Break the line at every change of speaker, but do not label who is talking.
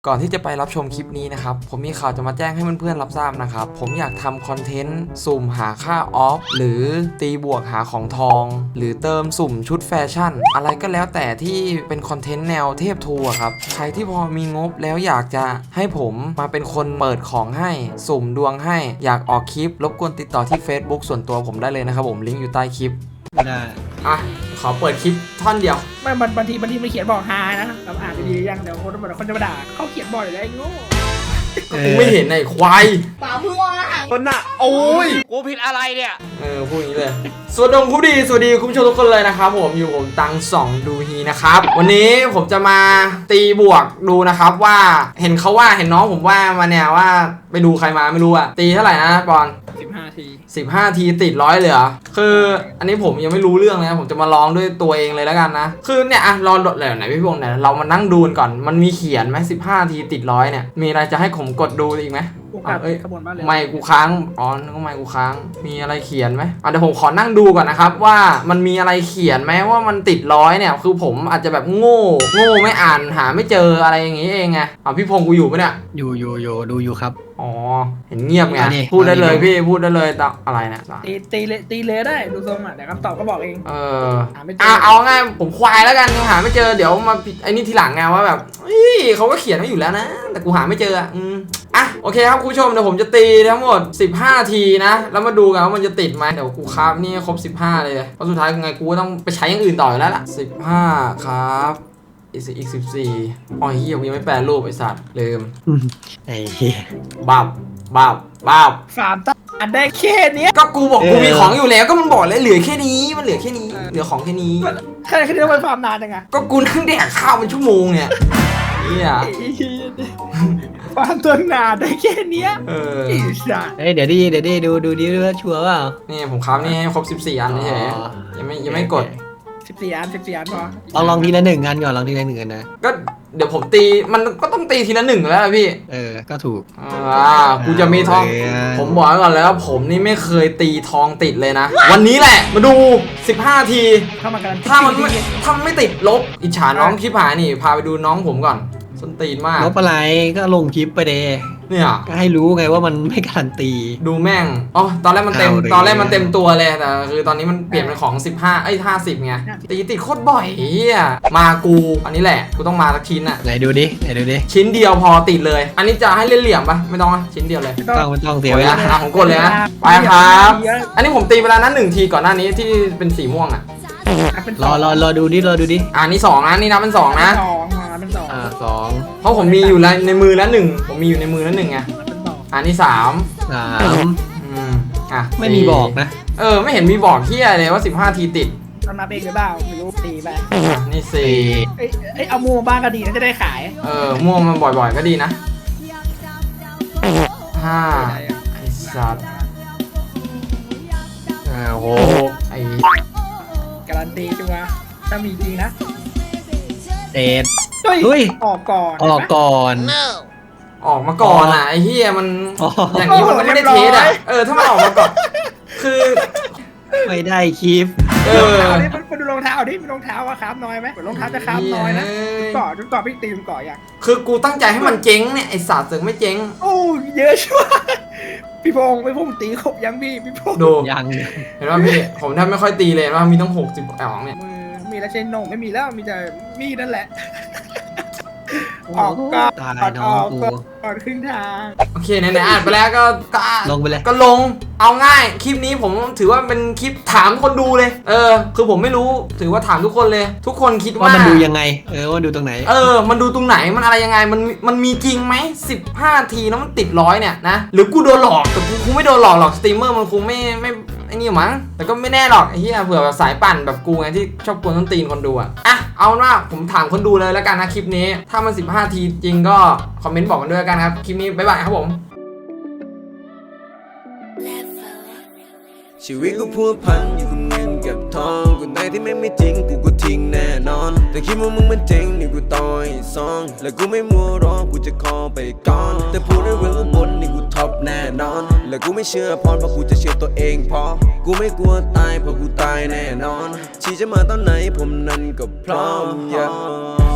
ก่อนที่จะไปรับชมคลิปนี้นะครับผมมีข่าวจะมาแจ้งให้เพื่อนๆรับทราบนะครับผมอยากทำคอนเทนต์สุ่มหาค่าออฟหรือตีบวกหาของทองหรือเติมสุ่มชุดแฟชั่นอะไรก็แล้วแต่ที่เป็นคอนเทนต์แนวเทพทูอะครับใครที่พอมีงบแล้วอยากจะให้ผมมาเป็นคนเปิดของให้สุ่มดวงให้อยากออกคลิปรบกวนติดต่อที่ Facebook ส่วนตัวผมได้เลยนะครับผมลิงก์อยู่ใต้คลิป
ได้
อ่ะขอเปิดคลิปท่อนเดียว
ไม่บางทีมันเขียนบอกฮานะเราอ่านดีๆยังเดี๋ยวคนจะมาด่าเขาเขียนบ่อยเลยไอ้โง่
กูไม่เห็นไอ้ควาย
ป่าพึ่งว่า
คนน่ะโอ้ยกูผิดอะไรเนี่ย
พูดอย่างนี้เลยสวัสดีคุณผู้ชมทุกคนเลยนะครับผมอยู่ผมตังสองดูฮีนะครับวันนี้ผมจะมาตีบวกดูนะครับว่าเห็นน้องผมว่ามาเนี่ยว่าไปดูใครมาไม่รู้อะตีเท่าไหร่นะปอน15 ทีติด100เลยเหรอคืออันนี้ผมยังไม่รู้เรื่องนะผมจะมาลองด้วยตัวเองเลยแล้วกันนะคือเนี่ยอะรอไหนพี่พงษ์เนี่ยเรามานั่งดูก่อนมันมีเขียนไหม15 ทีติด100เนี่ยมีอะไรจะให้ผมกดดูอีกไหมไม่กูค้างอ๋อนึกว่าไม่กูค้างมีอะไรเขียนไหมเดี๋ยวผมขอนั่งดูก่อนนะครับว่ามันมีอะไรเขียนไหมว่ามันติด100เนี่ยคือผมอาจจะแบบโง่ไม่อ่านหาไม่เจออะไรอย่างงี้เองไงพี่พงษ์กูอยู่ปะเนี่ย
อยู่ดูอยู่ครับ
อ๋อเห็นเงียบไงพูดได้เลยพี่พูดได้เลยอะไรนะ
ตีเลยได้ดูทรงอ่ะแต่คำตอบก็บอกเอง
เอาง่ายผมควายแล้วกันหาไม่เจอเดี๋ยวมาไอ้นี่ทีหลังไงว่าแบบเขาก็เขียนไว้อยู่แล้วนะแต่กูหาไม่เจอโอเคครับคุณผู้ชมเดี๋ยวผมจะตีทั้งหมด15 ทีนะแล้วมาดูกันว่ามันจะติดไหมเดี๋ยวกูครับนี่ครบ15เลยเพราะสุดท้ายยังไงกูก็ต้องไปใช้อย่างอื่นต่ออยู่แล้วล่ะ15ครับอีก14อ๋อเฮียกูยังไม่แปลรูปไอ้สัตว์ลืม
ไอ้เหี้ย
บ้า
ฟาร์มตั้งได้แค่นี้
ก็กูบอกกูมีของอยู่แล้วก็มันบอกเลยเหลือแค่นี้มันเหลือแค่นี้เหลือของแค่นี้
แค่นี้ต้องไปฟาร์มนานยังไง
ก็กูนั่งแดกข้าวเป็นชั่วโมงเนี่ย
ฟาร์มตัวนานได้แค่นี้
เดี๋ยวดิดูว่าชัวร์เปล่า
นี่ผมครับนี่ให้ครบ14 อันเฉยยังไม่กด
14 อันพ
อลองทีละ1 อันก่อนลองทีละ1 อันนะ
ก็เดี๋ยวผมตีมันก็ต้องตีทีละ1แล้วพี่
ก็ถูก
กูจะมีทองผมบอกก่อนแล้วผมนี่ไม่เคยตีทองติดเลยนะวันนี้แหละมาดู15 ทีถ้ามันไม่ติดลบอิจฉาน้องคลิปหายนี่พาไปดูน้องผมก่อนส้นตีนมาก
ลบอะไรก็ลงคลิปไปเด
เนี่ย
ก็ให้รู้ไงว่ามันไม่การันตี
ดูแม่งอ๋อตอนแรกมันเต็มตัวเลยแต่คือตอนนี้มันเปลี่ยนเป็นของ50ไงตีติดโคตรบ่อยมากูอันนี้แหละกูต้องมาสักชิ้นอ่ะ
ไหนดูดิ
ชิ้นเดียวพอติดเลยอันนี้จะให้เล่นเหลี่ยมปะไม่ต้องชิ้นเดียวเลย
ไม่ต้องเสียเวลา
ผมกดเลยนะไปครับอันนี้ผมตีเวลานั้น1 ทีก่อนหน้านี้ที่เป็นสีม่วงอ่ะ
รอดูดิ
นี่2นะนี่นับเป็น2นะ
2
เพราะผมมีอยู่ในมือแล้ว1ผมมีอยู่ในมือแล้ว1ไงนี่3
ไม่มีบอกนะ
ไม่เห็นมีบอกเที่ยเลยว่า15 ทีติด
ต้องนับเองหรือเปล่าไม่รู้ตีไป
นี่
4เอาม่วงบ้างก็ดีนะจะได้ขาย
ม่วงมันบ่อยๆก็ดีนะ5ไอ้สัตว์
6
ไอ้
การันตีจังวะถ้ามีจริงนะ
เฮ้ย
ออกก่อน
ออกมาก่อนอ่ะไอ้เฮียมันอย่างนี้มันไม่ได้เทสอ่ะถ้ามันออกมาก่อนคือ
ไม่ได้คลิป
นี่มันดูรองเท้าดิมีรองเท้าว่าคราฟน้อยไหมรองเท้าจะคราฟน้อยนะจุดก่อพี่ตีมก่ออย่าง
คือกูตั้งใจให้มันเจ๊งเนี่ยไอ้สัตว์เสือกไม่เจ๊ง
โอ้เยอะชัวร์พี่พงษ์ตีครบยังพี่พงษ์
ดู
ยัง
เห็นว่าพี่ผมแทบไม่ค่อยตีเลยว่ามีต้อง60เนี่ย
มีแล้วเชนนงไม่มีแล้วมีแต่มีนั่นแหละ
ออกก็ตายน้องกู
ก่อนครึ่งทาง
โอเคไหนอ่านไปแล้วก็
ลงไปเลย
ก็ลงเอาง่ายคลิปนี้ผมถือว่าเป็นคลิปถามคนดูเลยคือผมไม่รู้ถือว่าถามทุกคนเลยทุกคนคิดว่า
มันดูยังไงว่าดูตรงไหน
มันดูตรงไหนมันอะไรยังไงมันมีจริงไหม15 ทีแล้วมันติด100เนี่ยนะหรือกูโดนหลอกแต่กูคงไม่โดนหลอกหรอกสตรีมเมอร์มันคงไม่ไอ้นี่มั้งแต่ก็ไม่แน่หรอกไอ้เหี้ยเผื่อแบบสายปั่นแบบกูไงที่ชอบกวนต้นตีนคนดูเอาว่าผมถามคนดูเลยแล้วกันนะคลิปนี้ถ้ามัน15 ทีจริงก็คอมเมนต์บอกกันด้วยกันครับคลิปนี้บ๊ายบายครับผม
ชีวิตกูพัวพันอยู่กับเงินกับทองกูไหนที่ไม่จริงกูก็ทิ้งแน่นอนแต่คิดว่ามึงมันเจ๋งนี่กูต่อยซองและกูไม่มัวรอกูจะขอไปก่อนแต่พูดได้เรื่องบนนี่กูท็อปแน่นอนและกูไม่เชื่อพรเพราะกูจะเชื่อตัวเองพอกูไม่กลัวตายเพราะกูตายแน่นอนชีจะมาตอนไหนผมนั้นก็พร้อม